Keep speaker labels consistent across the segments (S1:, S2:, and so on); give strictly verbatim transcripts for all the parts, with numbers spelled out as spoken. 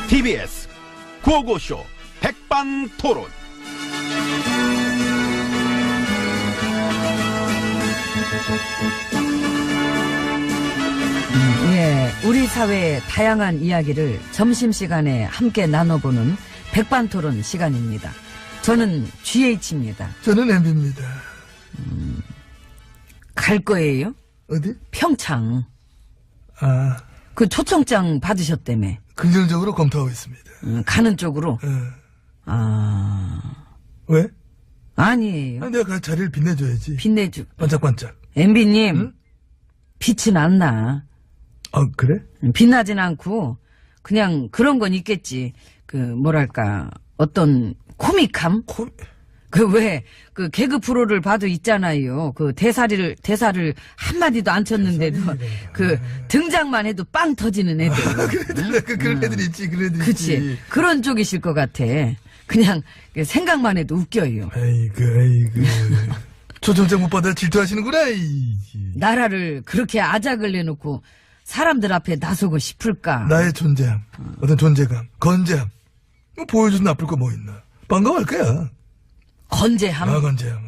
S1: 티비에스 구호고쇼 백반토론.
S2: 예, 우리 사회의 다양한 이야기를 점심시간에 함께 나눠보는 백반토론 시간입니다. 저는 지에이치입니다.
S3: 저는 엠비입니다.
S2: 음, 갈 거예요?
S3: 어디?
S2: 평창.
S3: 아,
S2: 그 초청장 받으셨다며.
S3: 긍정적으로 검토하고 있습니다.
S2: 음, 가는 쪽으로?
S3: 어.
S2: 아,
S3: 왜?
S2: 아니에요.
S3: 아, 내가 그 자리를 빛내줘야지.
S2: 빛내주.
S3: 반짝반짝.
S2: 엠비님,
S3: 응?
S2: 빛은 안 나.
S3: 아, 그래?
S2: 빛나진 않고 그냥 그런 건 있겠지. 그 뭐랄까 어떤 코믹함?
S3: 코...
S2: 그 왜 그 개그 프로를 봐도 있잖아요. 그 대사를 대사를 한 마디도 안 쳤는데도 그 등장만 해도 빵 터지는 애들.
S3: 아, 그래들, 그, 그런 애들 있지, 그런 애들
S2: 그치.
S3: 있지.
S2: 그런 쪽이실 것 같아. 그냥 생각만 해도 웃겨요.
S3: 아이고, 아이고. 초청장 못 받아 질투하시는구나, 이.
S2: 나라를 그렇게 아작을 내놓고 사람들 앞에 나서고 싶을까?
S3: 나의 존재함, 어떤 존재감, 건재함. 뭐 보여줘도 나쁠 거 뭐 있나. 반가워할 거야.
S2: 건재함.
S3: 아, 건재함.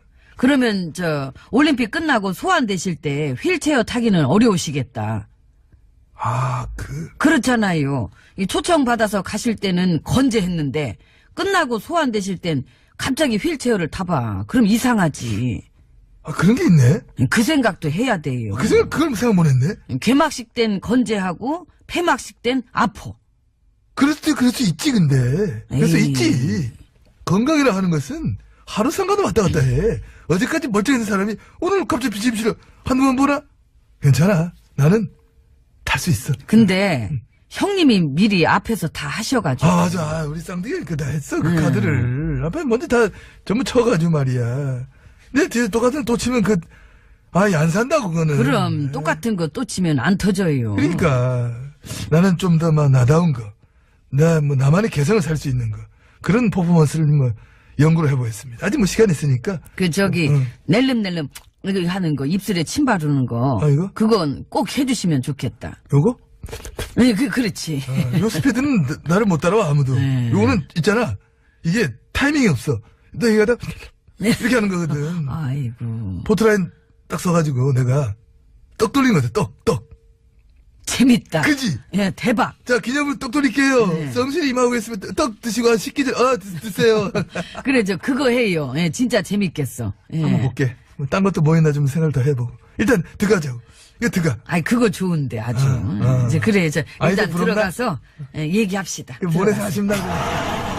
S2: 그러면 저 올림픽 끝나고 소환되실 때 휠체어 타기는 어려우시겠다.
S3: 아, 그.
S2: 그렇잖아요. 이 초청 받아서 가실 때는 건재했는데 끝나고 소환되실 땐 갑자기 휠체어를 타봐. 그럼 이상하지.
S3: 아, 그런 게 있네?
S2: 그 생각도 해야 돼요.
S3: 그 생각, 그걸 생각 못 했네?
S2: 개막식 땐 건재하고 폐막식 땐 아파.
S3: 그럴 수, 그럴 수 있지, 근데. 그럴 수
S2: 에이.
S3: 있지. 건강이라 하는 것은 하루 상관도 왔다 갔다 해. 어제까지 멀쩡했던 사람이 오늘 갑자기 비실비실 한두 번 보나? 괜찮아. 나는 탈 수 있어.
S2: 근데 형님이 미리 앞에서 다 하셔가지고.
S3: 아, 맞아. 아, 우리 쌍둥이가 그다 했어. 그
S2: 음.
S3: 카드를. 앞에 먼저 다 전부 쳐가지고 말이야. 근데 뒤에 똑같은 또 치면 그, 아이, 안 산다고, 그거는.
S2: 그럼 똑같은 거 또 치면 안 터져요.
S3: 그러니까 나는 좀 더 막 나다운 거, 나 뭐 나만의 개성을 살 수 있는 거 그런 퍼포먼스를 뭐 연구를 해보겠습니다. 아직 뭐 시간 있으니까.
S2: 그 저기
S3: 응.
S2: 낼름낼름 이거 하는 거 입술에 침 바르는 거.
S3: 아, 이거?
S2: 그건 꼭 해주시면 좋겠다.
S3: 요거?
S2: 네, 그 그렇지.
S3: 아, 요 스피드는 나- 나를 못 따라와 아무도.
S2: 네.
S3: 요거는 있잖아. 이게 타이밍이 없어. 너 이거 하다 이렇게 하는 거거든.
S2: 아이고
S3: 포트라인 딱 써가지고 내가 떡 돌린 거지. 떡, 떡.
S2: 재밌다.
S3: 그지?
S2: 예, 대박.
S3: 자, 기념으로 떡 돌릴게요.
S2: 네.
S3: 성실히 임하고 있으면 떡 드시고 식기 전, 어, 드, 드세요.
S2: 그래 저 그거 해요. 예, 진짜 재밌겠어. 예.
S3: 한번 볼게. 뭐딴 것도 뭐 있나 좀 생각을 더 해보고. 일단 들어가자고. 이거 들어가.
S2: 아이 그거 좋은데 아주.
S3: 아, 아.
S2: 이제 그래 저
S3: 아, 이제
S2: 일단
S3: 부럽나?
S2: 들어가서 예, 얘기합시다.
S3: 이거 모래서
S2: 들어가서.
S3: 하신다고.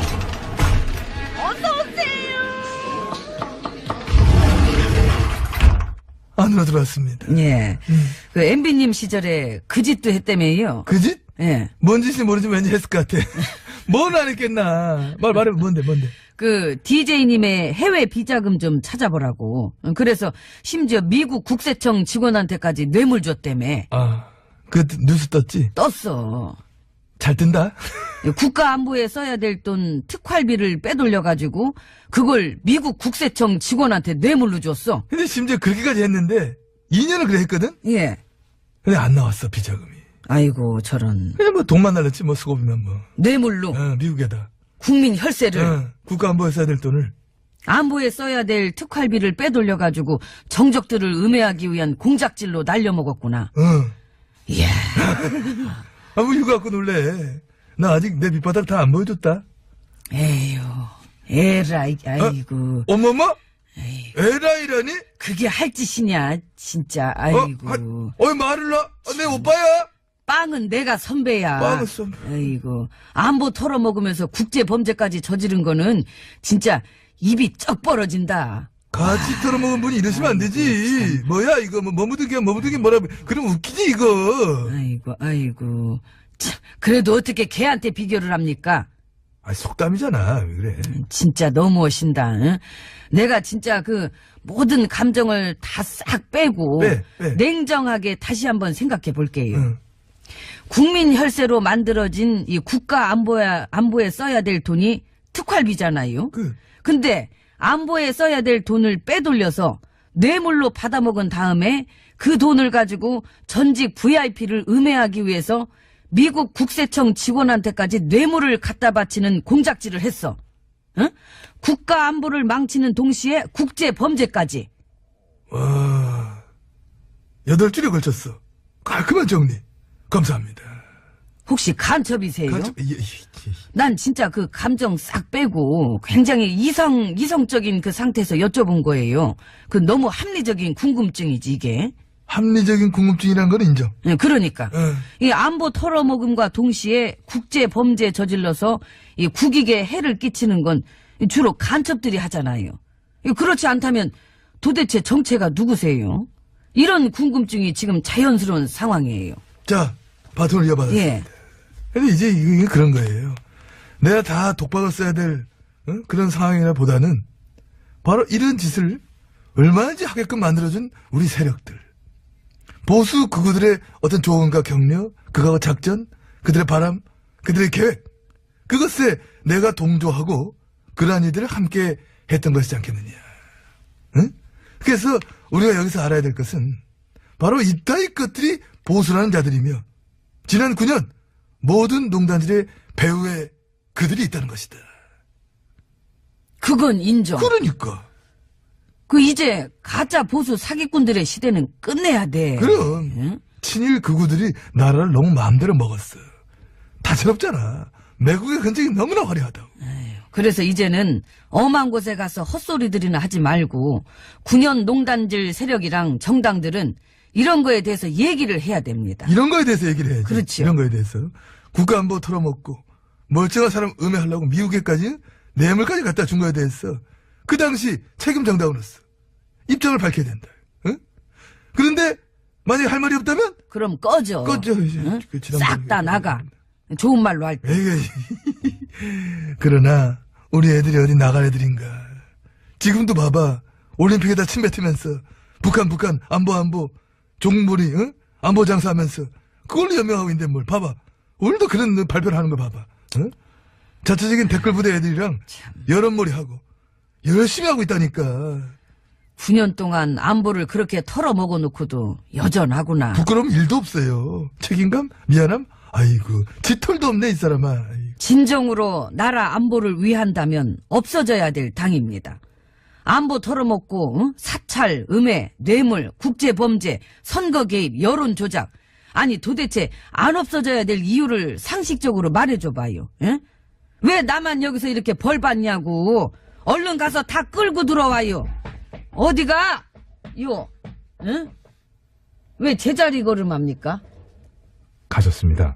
S3: 안으로 들어왔습니다.
S2: 예.
S3: 음.
S2: 그 엠비님 시절에 그 짓도 했다며요.
S3: 그 짓?
S2: 예.
S3: 뭔 짓인지 모르지만 왠지 했을 것 같아. 뭔 안 했겠나. 말, 말해, 뭔데, 뭔데.
S2: 그 디제이님의 해외 비자금 좀 찾아보라고. 그래서 심지어 미국 국세청 직원한테까지 뇌물 줬다며.
S3: 아, 그 뉴스 떴지?
S2: 떴어.
S3: 잘 뜬다?
S2: 국가 안보에 써야 될 돈 특활비를 빼돌려가지고 그걸 미국 국세청 직원한테 뇌물로 줬어.
S3: 근데 심지어 그렇게까지 했는데, 이 년을 그래 했거든?
S2: 예.
S3: 근데 안 나왔어, 비자금이.
S2: 아이고 저런.
S3: 그냥 뭐 돈만 날렸지, 뭐 수고비면 뭐.
S2: 뇌물로
S3: 어, 미국에다.
S2: 국민 혈세를
S3: 어, 국가 안보에 써야 될 돈을.
S2: 안보에 써야 될 특활비를 빼돌려가지고 정적들을 음해하기 위한 공작질로 날려먹었구나.
S3: 어.
S2: 이야.
S3: 아, 뭐 이거 갖고 놀래. 나 아직 내 밑바닥 다 안 보여줬다.
S2: 에휴. 에라이, 아이고.
S3: 어머머? 에라이라니?
S2: 그게 할 짓이냐, 진짜.
S3: 어?
S2: 아이고.
S3: 하, 어이, 말을 나? 아, 내 오빠야?
S2: 빵은 내가 선배야.
S3: 빵은 선배.
S2: 아이고. 안보 털어먹으면서 국제범죄까지 저지른 거는 진짜 입이 쩍 벌어진다.
S3: 같이 털어먹은 분이 이러시면 안 되지. 뭐야, 이거, 뭐, 머무드기야, 머무드기 뭐라, 그럼 웃기지, 이거.
S2: 아이고, 아이고. 참, 그래도 어떻게 걔한테 비교를 합니까?
S3: 아, 속담이잖아. 왜 그래.
S2: 진짜 너무 오신다. 응? 내가 진짜 그 모든 감정을 다 싹 빼고
S3: 빼, 빼.
S2: 냉정하게 다시 한번 생각해 볼게요.
S3: 응.
S2: 국민 혈세로 만들어진 이 국가 안보에, 안보에 써야 될 돈이 특활비잖아요.
S3: 그,
S2: 근데 안보에 써야 될 돈을 빼돌려서 뇌물로 받아먹은 다음에 그 돈을 가지고 전직 브이아이피를 음해하기 위해서 미국 국세청 직원한테까지 뇌물을 갖다 바치는 공작질을 했어. 응? 국가 안보를 망치는 동시에 국제 범죄까지.
S3: 와, 여덟 줄에 걸쳤어. 깔끔한 정리. 감사합니다.
S2: 혹시 간첩이세요?
S3: 간첩, 예, 예, 예.
S2: 난 진짜 그 감정 싹 빼고 굉장히 이성, 이성적인 그 상태에서 여쭤본 거예요. 그 너무 합리적인 궁금증이지, 이게.
S3: 합리적인 궁금증이란 건 인정.
S2: 예, 그러니까.
S3: 응.
S2: 이 안보 털어먹음과 동시에 국제 범죄 저질러서 이 국익에 해를 끼치는 건 주로 간첩들이 하잖아요. 이 그렇지 않다면 도대체 정체가 누구세요? 이런 궁금증이 지금 자연스러운 상황이에요.
S3: 자, 바톤을 이어받았습니다.
S2: 예.
S3: 근데 이제 이게 그런 거예요. 내가 다 독박을 써야 될 어? 그런 상황이나 보다는 바로 이런 짓을 얼마든지 하게끔 만들어준 우리 세력들. 보수 그구들의 어떤 조언과 격려, 그거와 작전, 그들의 바람, 그들의 계획. 그것에 내가 동조하고 그러한 이들을 함께 했던 것이지 않겠느냐. 응? 그래서 우리가 여기서 알아야 될 것은 바로 이따위 것들이 보수라는 자들이며 지난 구 년 모든 농단질의 배후에 그들이 있다는 것이다.
S2: 그건 인정.
S3: 그러니까.
S2: 그 이제 가짜 보수 사기꾼들의 시대는 끝내야 돼.
S3: 그럼
S2: 응?
S3: 친일 극우들이 나라를 너무 마음대로 먹었어. 다채롭잖아. 매국의 흔적이 너무나 화려하다고.
S2: 그래서 이제는 엄한 곳에 가서 헛소리들이나 하지 말고 구 년 농단질 세력이랑 정당들은 이런 거에 대해서 얘기를 해야 됩니다.
S3: 이런 거에 대해서 얘기를 해야지.
S2: 그렇죠.
S3: 이런 거에 대해서. 국가안보 털어먹고 멀쩡한 사람 음해하려고 미국에까지 뇌물까지 갖다 준 거에 대해서 그 당시 책임 정당으로서 입장을 밝혀야 된다. 응? 그런데 만약에 할 말이 없다면
S2: 그럼 꺼져.
S3: 꺼져. 이제.
S2: 응?
S3: 그 지난번에
S2: 싹 다 나가. 좋은 말로 할 때.
S3: 에이, 그러나 우리 애들이 어디 나갈 애들인가. 지금도 봐봐. 올림픽에다 침 뱉으면서 북한 북한 안보 안보 종물이 응? 안보 장사하면서 그걸로 연명하고 있는데 뭘 봐봐. 오늘도 그런 발표를 하는 거 봐봐. 응? 자체적인 댓글 부대 애들이랑 여론몰이 하고 열심히 하고 있다니까.
S2: 구 년 동안 안보를 그렇게 털어먹어 놓고도 여전하구나.
S3: 부끄러움 일도 없어요. 책임감? 미안함? 아이고 쥐털도 없네 이 사람아. 아이고.
S2: 진정으로 나라 안보를 위한다면 없어져야 될 당입니다. 안보 털어먹고 응? 사찰, 음해, 뇌물, 국제범죄, 선거 개입, 여론 조작. 아니 도대체 안 없어져야 될 이유를 상식적으로 말해줘봐요. 응? 왜 나만 여기서 이렇게 벌 받냐고. 얼른 가서 다 끌고 들어와요. 어디가? 요. 응? 왜 제자리 걸음합니까?
S4: 가셨습니다.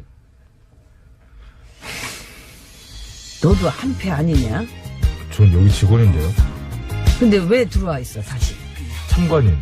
S2: 너도 한패 아니냐?
S4: 전 여기 직원인데요.
S2: 근데 왜 들어와 있어 다시?
S4: 참관인.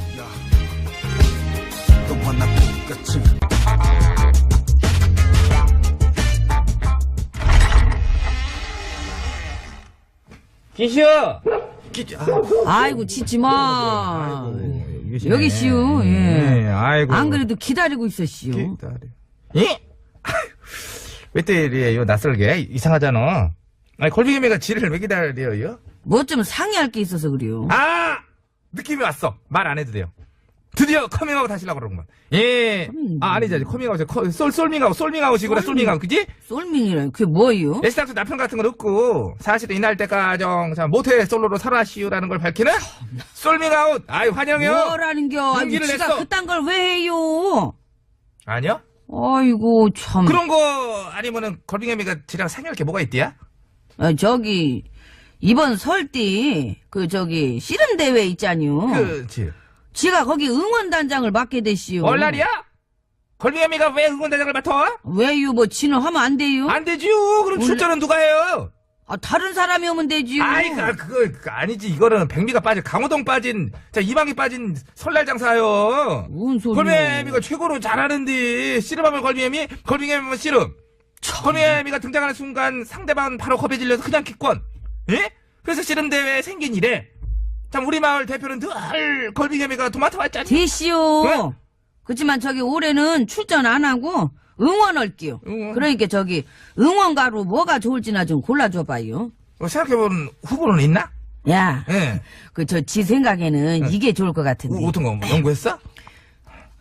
S4: 기시오.
S2: 아이고 짖지 마.
S4: 계시네.
S2: 여기 씨요. 예.
S4: 네, 아이고.
S2: 안 그래도 기다리고 있었시요.
S4: 기다려. 예? 왜 또 이래요, 낯설게? 이상하잖아. 아니, 골뱅이매가 지를 왜 기다려요?
S2: 뭐 좀 상의할 게 있어서 그래요.
S4: 아! 느낌이 왔어. 말 안 해도 돼요. 드디어 커밍아웃 하시려고 그러는구만. 예.
S2: 음.
S4: 아, 아니지. 커밍아웃이 커, 솔, 솔밍아웃, 솔밍아웃이구나, 솔밍아웃. 그지?
S2: 솔밍이란 그게 뭐요?
S4: 애시당초 남편 같은 건 없고, 사실은 이날 때까정, 자, 모태 솔로로 살아시오라는 걸 밝히는 솔밍아웃. 아이, 환영해요.
S2: 뭐라는겨? 아니,
S4: 용기를
S2: 지가
S4: 냈어.
S2: 그딴 걸 왜 해요?
S4: 아니요?
S2: 아이고 참.
S4: 그런 거 아니면은 걸빙애미가 지랑 상의할 게 뭐가 있디야?
S2: 아, 저기 이번 설띠 그 저기 씨름 대회 있잖요.
S4: 그치.
S2: 지가 거기 응원단장을 맡게 됐시요.
S4: 얼날이야? 걸빙애미가 왜 응원대장을 맡아?
S2: 왜요? 뭐 지는 하면 안 돼요?
S4: 안 되지요. 그럼
S2: 원래-
S4: 출전은 누가 해요?
S2: 아, 다른 사람이 오면 되지요.
S4: 아이, 그, 그거, 그거 아니지. 이거는 백미가 빠진, 강호동 빠진, 자, 이방이 빠진 설날 장사요.
S2: 뭔 소리야?
S4: 걸빙애미가 최고로 잘하는데, 씨름하면 걸빙애미, 걸빙애미면 씨름. 걸빙애미가 등장하는 순간 상대방은 바로 겁에 질려서 그냥 기권. 예? 그래서 씨름대회 생긴 이래. 참, 우리 마을 대표는 늘 걸빙애미가 도맡아 왔잖니.
S2: 됐시요.
S4: 왜?
S2: 그렇지만 저기 올해는 출전 안 하고 응원할게요.
S4: 응원.
S2: 그러니까 저기 응원가로 뭐가 좋을지나 좀 골라줘봐요.
S4: 어, 생각해보는 후보는 있나?
S2: 야,
S4: 예.
S2: 그 저 지 생각에는 이게 좋을 것 같은데.
S4: 어, 어떤 거, 뭐 연구했어?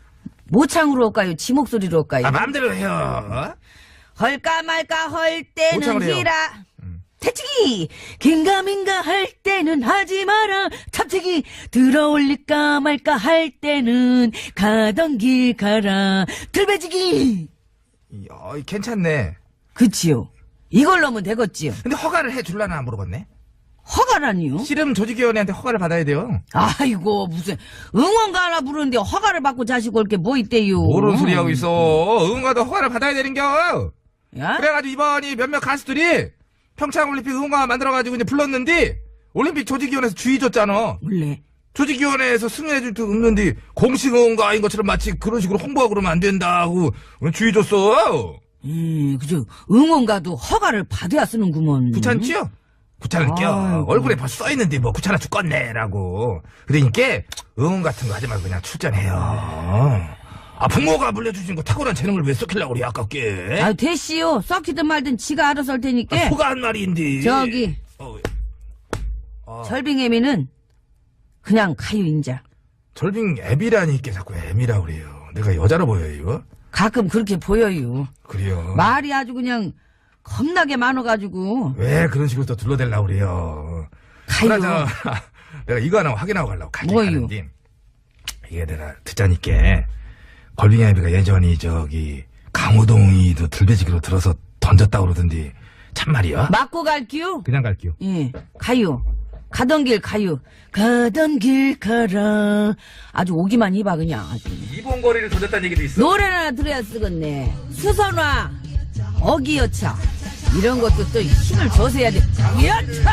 S2: 모창으로 할까요? 지 목소리로 할까요?
S4: 아, 마음대로 해요.
S2: 헐까 말까 할
S4: 모창을
S2: 때는
S4: 해요.
S2: 히라. 대치기 긴가민가 할 때는 하지 마라. 탑치기 들어올릴까 말까 할 때는 가던 길 가라. 들배지기.
S4: 어, 괜찮네.
S2: 그치요. 이걸 넣으면 되겠지요.
S4: 근데 허가를 해줄라나 물어봤네.
S2: 허가라니요?
S4: 씨름 조직위원회한테 허가를 받아야 돼요.
S2: 아이고 무슨 응원가 하나 부르는데 허가를 받고 자시고 올 게 뭐 있대요.
S4: 모르는 소리 하고 있어. 응원가도 허가를 받아야 되는겨.
S2: 야?
S4: 그래가지고 이번이 몇몇 가수들이 평창올림픽 응원가 만들어가지고 이제 불렀는데 올림픽 조직위원회에서 주의 줬잖아.
S2: 원래
S4: 조직위원회에서 승인해줄 듯 없는데 공식 응원가인 것처럼 마치 그런 식으로 홍보하고 그러면 안 된다고 주의 줬어.
S2: 음, 그죠. 응원가도 허가를 받아야 쓰는구먼.
S4: 귀찮지요? 귀찮을겨.
S2: 아이고.
S4: 얼굴에 벌써 써있는데 뭐 귀찮아 죽겠네라고. 그러니까 응원 같은 거 하지 말고 그냥 출전해요. 아, 부모가 물려주신 거 탁월한 재능을 왜 썩히려고 그래 아깝게.
S2: 아, 됐시요. 썩히든 말든 지가 알아서 할 테니까.
S4: 아, 소가 한 말인데.
S2: 저기
S4: 어, 어.
S2: 절빙애미는 그냥 가요 인자.
S4: 절빙 애비라니까 자꾸 애미라 그래요. 내가 여자로 보여요.
S2: 가끔 그렇게 보여요.
S4: 그래요.
S2: 말이 아주 그냥 겁나게 많아가지고
S4: 왜 그런 식으로 또 둘러대려고 그래요.
S2: 가요.
S4: 그나저나 내가 이거 하나 확인하고 가려고 가긴
S2: 뭐요?
S4: 가는데 이게 내가 듣자니까 걸빙 애비가 예전이 저기 강호동이도 들배지기로 들어서 던졌다고 그러던데 참말이야?
S2: 맞고 갈게요.
S4: 그냥 갈게요.
S2: 예, 가요. 가던 길 가요. 가던 길 가라. 아주 오기만 해봐 그냥. 아주.
S4: 이번 거리를 던졌다는 얘기도 있어.
S2: 노래를 하나 들어야 쓰겠네. 수선화, 어기여차 이런 것도 또 힘을 줘서 해야 돼. 여차,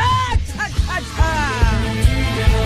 S2: 차차차.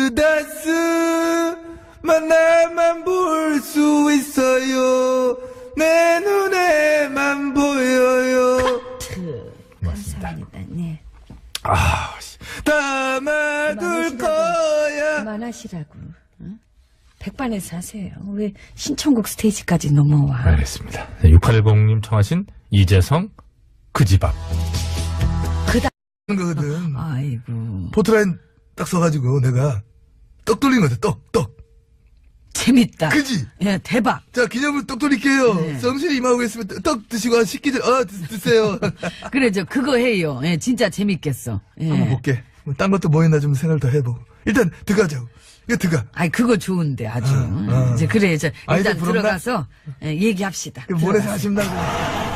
S3: 그다스만 나만 볼 수 있어요. 내 눈에만 보여요.
S2: 감사합니다. 네.
S4: 아, 씨.
S3: 담아둘 거야.
S2: 그만하시라고. 응? 백반에서 하세요. 왜 신청곡 스테이지까지 넘어와?
S4: 알겠습니다. 육팔일공님 청하신 이재성 그 집 앞.
S2: 그다.
S3: 거거든.
S2: 아이고
S3: 포트라인 딱 써가지고 내가 떡 돌린 거지. 떡, 떡.
S2: 재밌다.
S3: 그지?
S2: 예, 대박.
S3: 자, 기념으로 떡 돌릴게요.
S2: 네.
S3: 성실히 임하고 있으면 떡, 떡 드시고 식기 전, 어, 드, 드세요.
S2: 그래 저 그거 해요. 예, 진짜 재밌겠어. 예.
S3: 한번 볼게. 뭐딴 것도 뭐 있나 좀 생각을 더 해보고. 일단 들어가자고. 이거 들어가.
S2: 아이 그거 좋은데 아주.
S3: 어, 어.
S2: 이제 그래 저
S3: 아이들
S2: 일단
S3: 부른다?
S2: 들어가서 예, 얘기합시다.
S3: 이거 모래서
S2: 들어가서.
S3: 하신다고.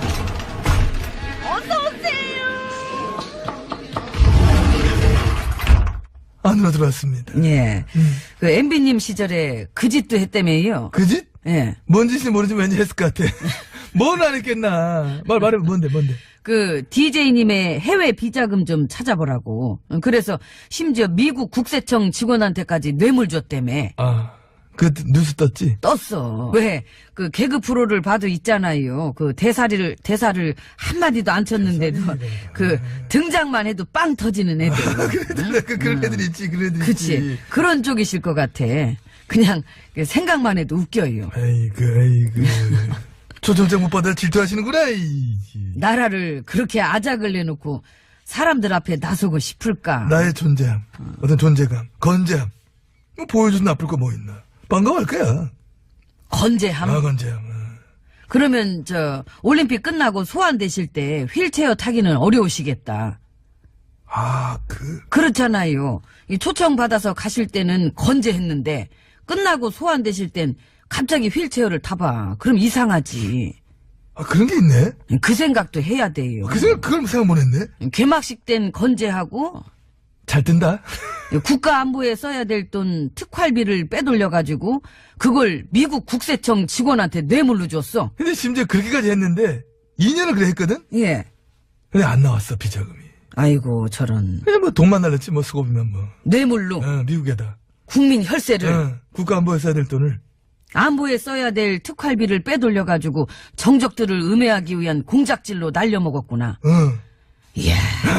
S3: 안으로 들어왔습니다.
S2: 예.
S3: 음.
S2: 그 엠비님 시절에 그 짓도 했다며요.
S3: 그 짓?
S2: 예.
S3: 뭔 짓인지 모르지만 왠지 했을 것 같아. 뭔 안 했겠나. 말, 말해, 뭔데, 뭔데.
S2: 그 디제이님의 해외 비자금 좀 찾아보라고. 그래서 심지어 미국 국세청 직원한테까지 뇌물 줬다며.
S3: 아, 그 뉴스 떴지?
S2: 떴어. 왜? 그 개그 프로를 봐도 있잖아요. 그 대사를, 대사를 한마디도 안 쳤는데도 그 등장만 해도 빵 터지는 애들.
S3: 그래도 그, 그런 애들 있지, 그런 애들
S2: 그치.
S3: 있지.
S2: 그런 쪽이실 것 같아. 그냥 그 생각만 해도 웃겨요.
S3: 아이고, 아이고. 초청장 못 받아 질투하시는구나, 이.
S2: 나라를 그렇게 아작을 내놓고 사람들 앞에 나서고 싶을까?
S3: 나의 존재함, 어떤 존재감, 건재함. 뭐 보여줘도 나쁠 거 뭐 있나. 반가워할 거야.
S2: 건재함?
S3: 아, 건재함. 어.
S2: 그러면 저 올림픽 끝나고 소환되실 때 휠체어 타기는 어려우시겠다.
S3: 아, 그.
S2: 그렇잖아요. 이 초청 받아서 가실 때는 건재했는데 끝나고 소환되실 땐 갑자기 휠체어를 타봐. 그럼 이상하지.
S3: 아, 그런 게 있네?
S2: 그 생각도 해야 돼요.
S3: 그 생각, 그걸 생각 못 했네?
S2: 개막식 땐 건재하고
S3: 잘 뜬다?
S2: 국가 안보에 써야 될 돈 특활비를 빼돌려가지고 그걸 미국 국세청 직원한테 뇌물로 줬어.
S3: 근데 심지어 그렇게까지 했는데, 이 년을 그래 했거든?
S2: 예.
S3: 근데 안 나왔어, 비자금이.
S2: 아이고 저런
S3: 그냥 뭐 돈만 날렸지, 뭐 수고비면 뭐.
S2: 뇌물로
S3: 어, 미국에다.
S2: 국민 혈세를
S3: 어, 국가안보에 써야 될 돈을.
S2: 안보에 써야 될 특활비를 빼돌려가지고 정적들을 음해하기 위한 공작질로 날려먹었구나.
S3: 어.
S2: 이야.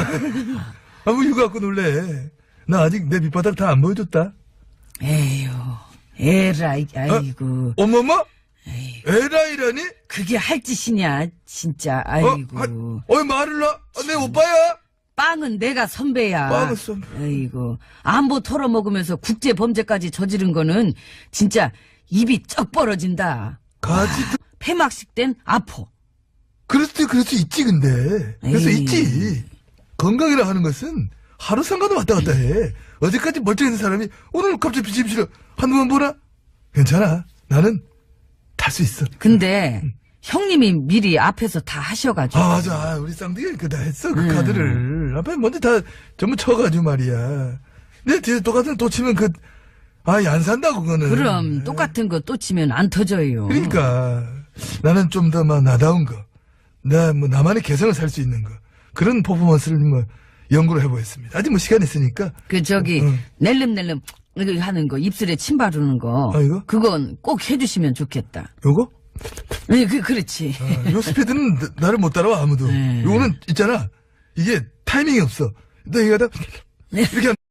S3: 아, 뭐 이거 갖고 놀래. 나 아직 내 밑바닥 다 안 보여줬다.
S2: 에휴. 에라이 아이고.
S3: 어머머? 에라이라니?
S2: 그게 할 짓이냐 진짜.
S3: 어,
S2: 아이고.
S3: 하, 어이, 말을 나? 아, 내 오빠야?
S2: 빵은 내가 선배야.
S3: 빵은 선배.
S2: 아이고. 안보 털어먹으면서 국제범죄까지 저지른 거는 진짜 입이 쩍 벌어진다.
S3: 가지,
S2: 폐막식 땐 아포.
S3: 그럴 수, 그럴 수 있지, 근데. 그래서
S2: 에이.
S3: 있지. 건강이라 하는 것은 하루 상관도 왔다 갔다 해. 어제까지 멀쩡했는 사람이 오늘 갑자기 비심실어 한두번 보나? 괜찮아. 나는 탈 수 있어.
S2: 근데 형님이 미리 앞에서 다 하셔가지고.
S3: 아, 맞아. 아, 우리 쌍둥이가 그다 했어. 그
S2: 음.
S3: 카드를. 앞에 먼저 다 전부 쳐가지고 말이야. 내 뒤에 똑같은 또 치면 그, 아, 안 산다고, 그거는.
S2: 그럼 똑같은 거 또 치면 안 터져요.
S3: 그러니까 나는 좀 더 막 나다운 거, 나 뭐 나만의 개성을 살 수 있는 거 그런 퍼포먼스를 뭐 연구를 해보겠습니다. 아직 뭐 시간 있으니까.
S2: 그 저기
S3: 응.
S2: 낼름낼름 이거 하는 거 입술에 침 바르는 거.
S3: 아, 이거?
S2: 그건 꼭 해주시면 좋겠다.
S3: 요거?
S2: 네, 그 그렇지.
S3: 아, 요 스피드는 나- 나를 못 따라와 아무도.
S2: 네.
S3: 요거는 있잖아. 이게 타이밍이 없어. 너 이거 하다 이렇게 한-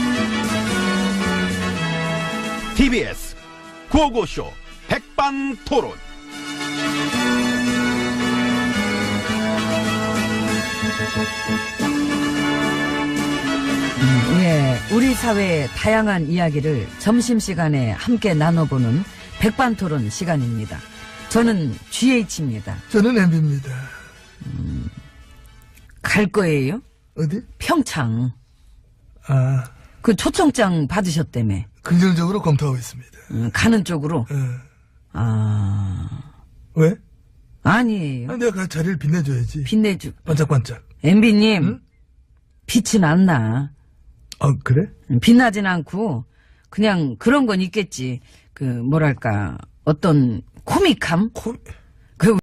S1: 티비에스 구호고쇼 백반토론.
S2: 예, 우리 사회의 다양한 이야기를 점심시간에 함께 나눠보는 백반토론 시간입니다. 저는 지에이치입니다.
S3: 저는 엠비입니다.
S2: 갈 거예요?
S3: 어디?
S2: 평창.
S3: 아,
S2: 그 초청장 받으셨다며.
S3: 긍정적으로 검토하고 있습니다.
S2: 음, 가는 쪽으로.
S3: 어.
S2: 아,
S3: 왜?
S2: 아니에요.
S3: 아, 내가 그 자리를 빛내줘야지.
S2: 빛내주.
S3: 반짝반짝.
S2: 엠비님,
S3: 응?
S2: 빛은 안 나.
S3: 아, 그래?
S2: 빛나진 않고, 그냥 그런 건 있겠지. 그, 뭐랄까, 어떤 코믹함?
S3: 코,